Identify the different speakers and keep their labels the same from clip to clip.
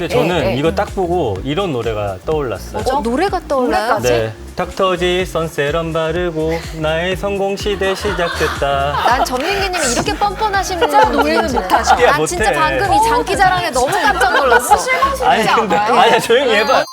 Speaker 1: 근데 저는 이거 딱 보고 이런 노래가 떠올랐어요.
Speaker 2: 노래가 떠올라요?
Speaker 1: 네. 닥터지 선세럼 바르고 나의 성공 시대 시작됐다.
Speaker 2: 난 전민기님이 이렇게 뻔뻔하신
Speaker 3: 진짜 노래는
Speaker 2: 분인지는.
Speaker 3: 못하셔.
Speaker 1: 야,
Speaker 2: 난 진짜
Speaker 1: 못해.
Speaker 2: 방금 이 장기자랑에 너무 깜짝 놀랐어.
Speaker 1: 아니 근데 아니야 조용히 해봐.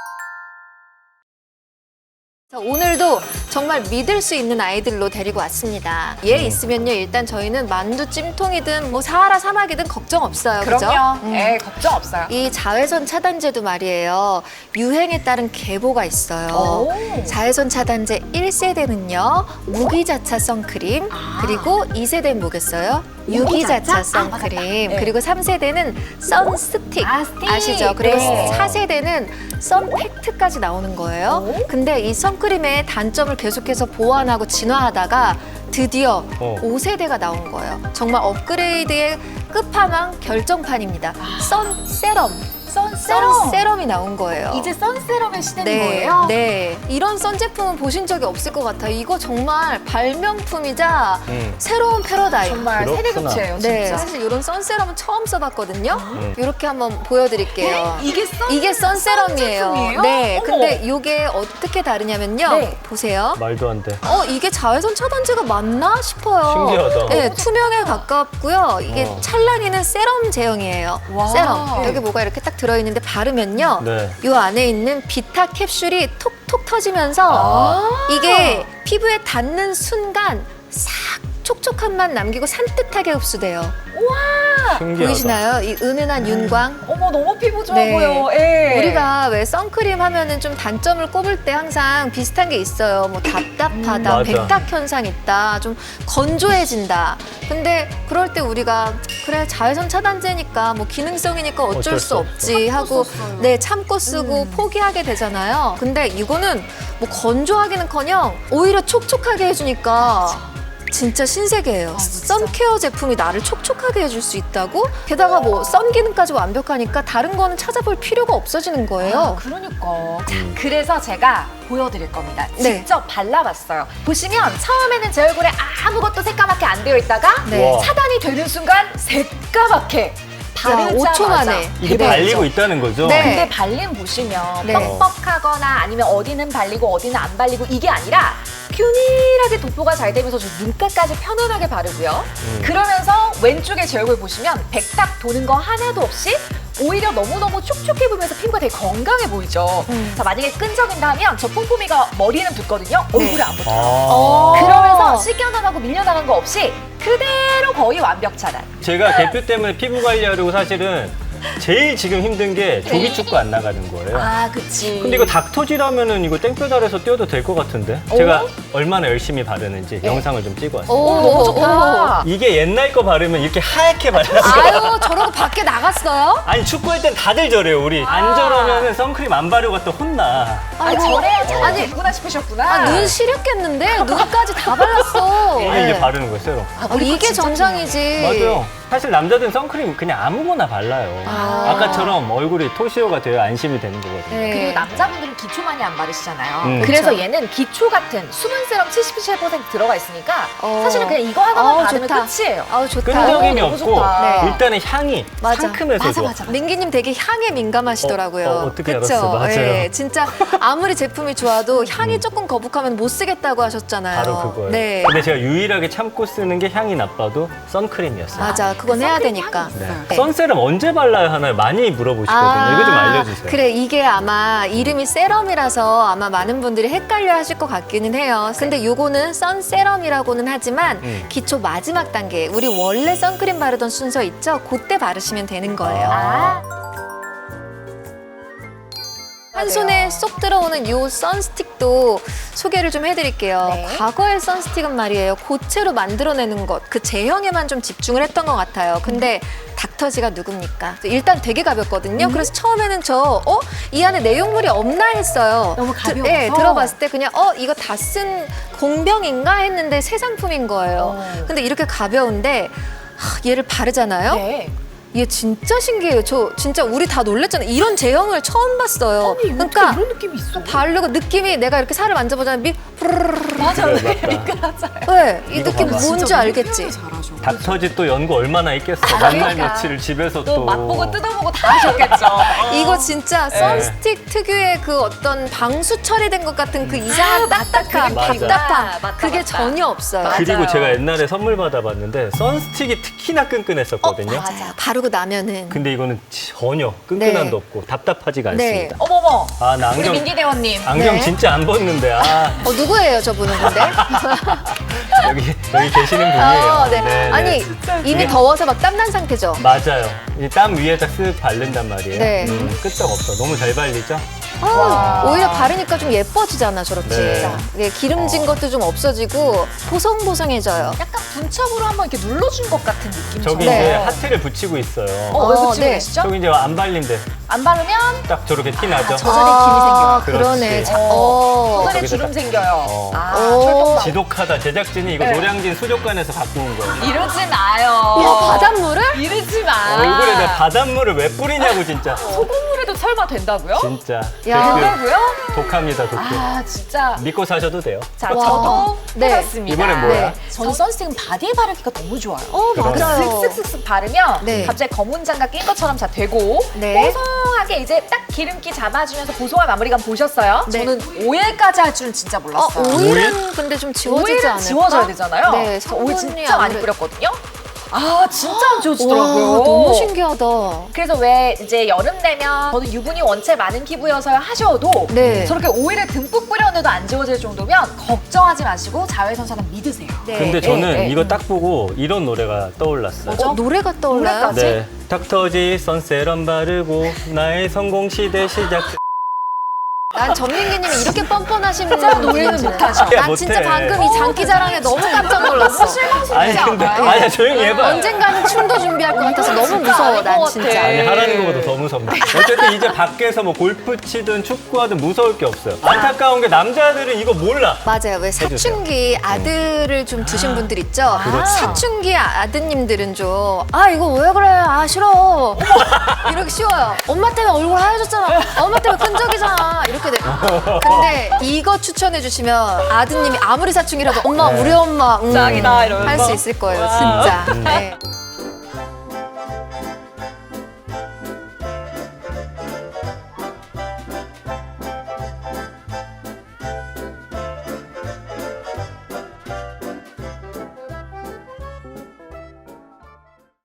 Speaker 2: 자, 오늘도 정말 믿을 수 있는 아이들로 데리고 왔습니다. 얘 있으면요, 일단 저희는 만두 찜통이든 뭐 사하라 사막이든 걱정 없어요. 그죠?
Speaker 3: 그럼요. 네, 걱정 없어요.
Speaker 2: 이 자외선 차단제도 말이에요. 유행에 따른 계보가 있어요.
Speaker 3: 오.
Speaker 2: 자외선 차단제 1세대는요. 무기자차 선크림, 그리고 2세대 뭐겠어요? 유기자차 선크림,
Speaker 3: 네.
Speaker 2: 그리고 3세대는 선스틱
Speaker 3: 스틱.
Speaker 2: 아시죠? 그리고
Speaker 3: 네.
Speaker 2: 4세대는 선팩트까지 나오는 거예요.
Speaker 3: 오.
Speaker 2: 근데 이 선크림의 단점을 계속해서 보완하고 진화하다가 드디어 5세대가 나온 거예요. 정말 업그레이드의 끝판왕 결정판입니다. 선세럼. 선세럼이 나온 거예요.
Speaker 3: 이제 선세럼의 시대인
Speaker 2: 네,
Speaker 3: 거예요?
Speaker 2: 네. 이런 선 제품은 보신 적이 없을 것 같아요. 이거 정말 발명품이자 새로운 패러다임.
Speaker 3: 정말
Speaker 1: 그렇구나.
Speaker 3: 세대교체예요, 진짜.
Speaker 2: 네, 사실 이런 선세럼은 처음 써봤거든요. 이렇게 한번 보여드릴게요.
Speaker 3: 이게
Speaker 2: 선세럼이에요.
Speaker 3: 제품이에요?
Speaker 2: 네,
Speaker 3: 어머.
Speaker 2: 근데 이게 어떻게 다르냐면요.
Speaker 3: 네.
Speaker 2: 보세요.
Speaker 1: 말도 안 돼.
Speaker 2: 이게 자외선 차단제가 맞나 싶어요.
Speaker 1: 신기하다.
Speaker 2: 네, 투명에 가깝고요. 이게 찰랑이는 세럼 제형이에요.
Speaker 3: 와.
Speaker 2: 세럼. 여기 뭐가 이렇게 딱 들어있는데 바르면요.
Speaker 1: 네.
Speaker 2: 이 안에 있는 비타 캡슐이 톡톡 터지면서 이게 피부에 닿는 순간 싹 촉촉한 맛 남기고 산뜻하게 흡수돼요.
Speaker 1: 신기하다.
Speaker 2: 보이시나요? 이 은은한 윤광.
Speaker 3: 어머, 너무 피부 좋아
Speaker 2: 네.
Speaker 3: 보여. 예.
Speaker 2: 우리가 왜 선크림 하면은 좀 단점을 꼽을 때 항상 비슷한 게 있어요. 뭐 답답하다,
Speaker 1: 맞아.
Speaker 2: 백탁 현상 있다, 좀 건조해진다. 근데 그럴 때 우리가 그래 자외선 차단제니까 뭐 기능성이니까 어쩔 수 없지 하고
Speaker 3: 썼어요.
Speaker 2: 네 참고 쓰고 포기하게 되잖아요. 근데 이거는 뭐 건조하기는커녕 오히려 촉촉하게 해주니까. 진짜 신세계예요.
Speaker 3: 진짜.
Speaker 2: 선케어 제품이 나를 촉촉하게 해줄 수 있다고? 게다가 뭐 선 기능까지 완벽하니까 다른 거는 찾아볼 필요가 없어지는 거예요.
Speaker 3: 그러니까. 자, 그래서 제가 보여드릴 겁니다.
Speaker 2: 네.
Speaker 3: 직접 발라봤어요. 보시면 처음에는 제 얼굴에 아무것도 새까맣게 안 되어 있다가
Speaker 2: 네.
Speaker 1: 와.
Speaker 3: 차단이 되는 순간 새까맣게 바르자마자
Speaker 2: 5초 만에.
Speaker 1: 이게
Speaker 2: 네.
Speaker 1: 발리고 있다는 거죠?
Speaker 2: 네.
Speaker 3: 근데 발림 보시면
Speaker 2: 네.
Speaker 3: 뻑뻑하거나 아니면 어디는 발리고 어디는 안 발리고 이게 아니라 균일하게 도포가 잘 되면서 저 눈가까지 편안하게 바르고요. 그러면서 왼쪽에 제 얼굴 보시면 백탁 도는 거 하나도 없이 오히려 너무너무 촉촉해 보이면서 피부가 되게 건강해 보이죠. 자, 만약에 끈적인다 하면 저 폼폼이가 머리는 붓거든요. 얼굴에 안 붙어요.
Speaker 1: 아.
Speaker 3: 그러면서 씻겨나가고 밀려나간 거 없이 그대로 거의 완벽 차단.
Speaker 1: 제가 개표 때문에 피부 관리하려고 사실은 제일 지금 힘든 게 조기 축구 안 나가는 거예요.
Speaker 3: 아, 그치.
Speaker 1: 근데 이거 닥터지라면은 이거 땡볕 아래서 뛰어도 될 것 같은데? 제가 얼마나 열심히 바르는지 영상을 좀 찍어왔어요.
Speaker 3: 오, 너무 좋다.
Speaker 1: 이게 옛날 거 바르면 이렇게 하얗게 발랐어요.
Speaker 2: 아유, 저러고 밖에 나갔어요?
Speaker 1: 아니 축구할 땐 다들 저래요 우리. 안 저러면은 선크림 안 바르고 갔다 혼나.
Speaker 3: 아니,
Speaker 2: 아이고.
Speaker 3: 저래야 잘
Speaker 2: 아니,
Speaker 3: 되구나 싶으셨구나.
Speaker 2: 눈 시렸겠는데? 눈까지 다 발랐어.
Speaker 1: 이게 이제 바르는 거예요 새로.
Speaker 2: 이게 정상이지.
Speaker 1: 맞아요. 사실 남자들은 선크림 그냥 아무거나 발라요. 아까처럼 얼굴이 토시오가 돼야 안심이 되는 거거든요.
Speaker 2: 네.
Speaker 3: 그리고 남자분들은 기초 많이 안 바르시잖아요.
Speaker 1: 그쵸.
Speaker 3: 그래서 얘는 기초 같은 수분 세럼 77% 들어가 있으니까 사실은 그냥 이거 하나만
Speaker 2: 어우,
Speaker 3: 바르면
Speaker 2: 좋다.
Speaker 3: 끝이에요.
Speaker 2: 아우, 좋다.
Speaker 1: 끈적임이
Speaker 3: 너무
Speaker 1: 없고
Speaker 3: 좋다.
Speaker 2: 네.
Speaker 1: 일단은 향이
Speaker 2: 맞아.
Speaker 1: 상큼해서
Speaker 3: 맞아,
Speaker 1: 좋아.
Speaker 3: 맞아.
Speaker 2: 민기님 되게 향에 민감하시더라고요.
Speaker 1: 어떻게
Speaker 2: 그쵸?
Speaker 1: 알았어? 맞아요.
Speaker 2: 예, 진짜 아무리 제품이 좋아도 향이 조금 거북하면 못 쓰겠다고 하셨잖아요.
Speaker 1: 바로 그거예요.
Speaker 2: 네.
Speaker 1: 근데 제가 유일하게 참고 쓰는 게 향이 나빠도 선크림이었어요.
Speaker 2: 맞아, 그건 해야 되니까.
Speaker 1: 네.
Speaker 2: 네.
Speaker 1: 선세럼 언제 발라야 하나요? 많이 물어보시거든요. 이거 좀 알려주세요.
Speaker 2: 그래, 이게 아마 이름이 세럼이라서 아마 많은 분들이 헷갈려 하실 것 같기는 해요. 근데 요거는 선세럼이라고는 하지만 기초 마지막 단계, 우리 원래 선크림 바르던 순서 있죠? 그때 바르시면 되는 거예요.
Speaker 3: 아,
Speaker 2: 한 손에 쏙 들어오는 요 선스틱도 소개를 좀 해드릴게요.
Speaker 3: 네.
Speaker 2: 과거의 선스틱은 말이에요. 고체로 만들어내는 것, 그 제형에만 좀 집중을 했던 것 같아요. 근데 닥터지가 누굽니까? 일단 되게 가볍거든요. 그래서 처음에는 이 안에 내용물이 없나 했어요.
Speaker 3: 너무 가벼워서?
Speaker 2: 네, 들어봤을 때 그냥 이거 다 쓴 공병인가 했는데 새 상품인 거예요. 근데 이렇게 가벼운데 얘를 바르잖아요.
Speaker 3: 네.
Speaker 2: 얘 진짜 신기해요. 저 진짜 우리 다 놀랬잖아요. 이런 제형을 처음 봤어요.
Speaker 3: 아니,
Speaker 2: 그러니까
Speaker 3: 이런 느낌이 있어.
Speaker 2: 바르고 느낌이 내가 이렇게 살을 만져보자면
Speaker 3: 맞아,
Speaker 1: 그래,
Speaker 3: 왜
Speaker 1: 맞다.
Speaker 3: 미끄러져요?
Speaker 2: 네, 이
Speaker 1: 이거
Speaker 2: 느낌
Speaker 1: 봐봐.
Speaker 2: 뭔지 알겠지?
Speaker 3: 잘하셔.
Speaker 1: 닥터지 또 연구 얼마나 있겠어. 만날
Speaker 2: 그러니까.
Speaker 1: 며칠을 집에서
Speaker 3: 또
Speaker 1: 또.
Speaker 3: 맛보고 뜯어보고 다 하셨겠죠.
Speaker 2: 이거 진짜 선스틱 특유의 그 어떤 방수 처리된 것 같은 그 이상한 딱딱함,
Speaker 1: 맞아.
Speaker 2: 답답함
Speaker 3: 맞다,
Speaker 2: 그게
Speaker 3: 맞다.
Speaker 2: 전혀 없어요.
Speaker 3: 맞아.
Speaker 1: 그리고
Speaker 3: 맞아요.
Speaker 1: 제가 옛날에 선물 받아봤는데 선스틱이 특히나 끈끈했었거든요.
Speaker 2: 맞아요. 바르고 나면은
Speaker 1: 근데 이거는 전혀 끈끈함도
Speaker 2: 네.
Speaker 1: 없고 답답하지가
Speaker 2: 네.
Speaker 1: 않습니다.
Speaker 3: 어머머.
Speaker 1: 아, 나
Speaker 3: 우리
Speaker 1: 안경,
Speaker 3: 민기 대원님.
Speaker 1: 안경
Speaker 2: 네.
Speaker 1: 진짜 안 벗는데. 아,
Speaker 2: 누구예요 저분은 근데?
Speaker 1: 여기 계시는 분이에요.
Speaker 2: 네.
Speaker 1: 네,
Speaker 2: 아니
Speaker 1: 네.
Speaker 2: 이미
Speaker 1: 이게-
Speaker 2: 더워서 막 땀난 상태죠.
Speaker 1: 맞아요. 이 땀 위에다 쓱 바른단 말이에요.
Speaker 2: 네.
Speaker 1: 끄떡 없어. 너무 잘 발리죠?
Speaker 2: 오히려 바르니까 좀 예뻐지잖아 저렇게.
Speaker 1: 네.
Speaker 2: 네, 기름진 것도 좀 없어지고 보송보송해져요.
Speaker 3: 약간 분첩으로 한번 이렇게 눌러준 것 같은 느낌처럼.
Speaker 1: 저기
Speaker 2: 네.
Speaker 1: 이제 하트를 붙이고 있어요.
Speaker 3: 왜 붙이고
Speaker 2: 네.
Speaker 3: 계시죠?
Speaker 1: 저기 이제 안 발린데
Speaker 3: 안 바르면
Speaker 1: 딱 저렇게 티 나죠?
Speaker 3: 저- 저절에 김이 생겨요.
Speaker 2: 그러네.
Speaker 1: 그렇지.
Speaker 3: 소설에
Speaker 1: 저기다가-
Speaker 3: 주름 생겨요.
Speaker 1: 어.
Speaker 2: 오.
Speaker 3: 철판만.
Speaker 1: 지독하다. 제작진이 이거
Speaker 3: 네.
Speaker 1: 노량진 수족관에서 갖고 온 거예요.
Speaker 3: 이러지 마요.
Speaker 2: 야, 바닷물을?
Speaker 3: 이러지 마.
Speaker 1: 얼굴에 내 바닷물을 왜 뿌리냐고 진짜.
Speaker 3: 소금물에도 설마 된다고요?
Speaker 1: 진짜.
Speaker 2: 야.
Speaker 1: 댓글
Speaker 3: 된다고요?
Speaker 1: 독합니다, 독해.
Speaker 3: 아 진짜.
Speaker 1: 믿고 사셔도 돼요.
Speaker 3: 자
Speaker 2: 와.
Speaker 3: 저도
Speaker 2: 네.
Speaker 3: 해봤습니다.
Speaker 1: 이번엔 뭐야?
Speaker 2: 네.
Speaker 3: 저는 선스틱은 바디에 바르기가 너무 좋아요.
Speaker 1: 그러네.
Speaker 2: 맞아요.
Speaker 3: 슥슥슥슥 바르면
Speaker 2: 네.
Speaker 3: 갑자기 검은 장갑 낀 것처럼 다 되고
Speaker 2: 네.
Speaker 3: 보송하게 이제 딱 기름기 잡아주면서 보송한 마무리감 보셨어요?
Speaker 2: 네.
Speaker 3: 저는 오일까지 할 줄은 진짜 몰랐어요.
Speaker 2: 오일은 근데 좀 지워지지
Speaker 3: 오일은
Speaker 2: 않을까?
Speaker 3: 지워져야 되잖아요.
Speaker 2: 네,
Speaker 3: 그래서 오일
Speaker 2: 성분이
Speaker 3: 진짜 많이
Speaker 2: 아무래도-
Speaker 3: 뿌렸거든요. 아 진짜 안
Speaker 2: 와,
Speaker 3: 지워지더라고요.
Speaker 2: 너무 신기하다.
Speaker 3: 그래서 왜 이제 여름 되면 저는 유분이 원체 많은 피부여서 하셔도
Speaker 2: 네.
Speaker 3: 저렇게 오일을 듬뿍 뿌려놔도 안 지워질 정도면 걱정하지 마시고 자외선차단 믿으세요.
Speaker 2: 네.
Speaker 1: 근데 저는
Speaker 3: 네.
Speaker 1: 이거 딱 보고 이런 노래가 떠올랐어요.
Speaker 2: 노래가 떠올라요?
Speaker 3: 노래까지?
Speaker 1: 네. 닥터지 선세럼 바르고 나의 성공 시대 시작.
Speaker 2: 난 전민기님이 이렇게 뻔뻔하신
Speaker 3: 노래는
Speaker 2: 분인지는.
Speaker 3: 못하죠.
Speaker 2: 난
Speaker 1: 못해.
Speaker 2: 진짜 방금 이 장기자랑에 너무 깜짝 놀랐어.
Speaker 1: 아니 근데 아니야 조용히 해봐.
Speaker 2: 언젠가는 춤도 준비할 것 같아서 너무
Speaker 3: 진짜
Speaker 2: 무서워,
Speaker 3: 아닌
Speaker 2: 난
Speaker 3: 것
Speaker 2: 진짜.
Speaker 3: 같아.
Speaker 1: 아니 하라는 것보다 더 무섭네. 어쨌든 이제 밖에서 뭐 골프 치든 축구하든 무서울 게 없어요. 안타까운 게 남자들은 이거 몰라.
Speaker 2: 맞아요. 왜 사춘기 아들을 좀 두신 분들 있죠?
Speaker 1: 그렇죠.
Speaker 2: 사춘기 아드님들은 좀, 아, 이거 왜 그래? 아, 싫어. 이렇게 쉬워요. 엄마 때문에 얼굴 하얘졌잖아. 엄마 때문에 끈적이잖아. 이렇게 돼. 근데 이거 추천해 주시면 아드님이 아무리 사춘기라도 엄마, 우리 엄마,
Speaker 3: 짱이다, 이러면서.
Speaker 2: 할 수 있을 거예요,
Speaker 3: 와.
Speaker 2: 진짜. 네.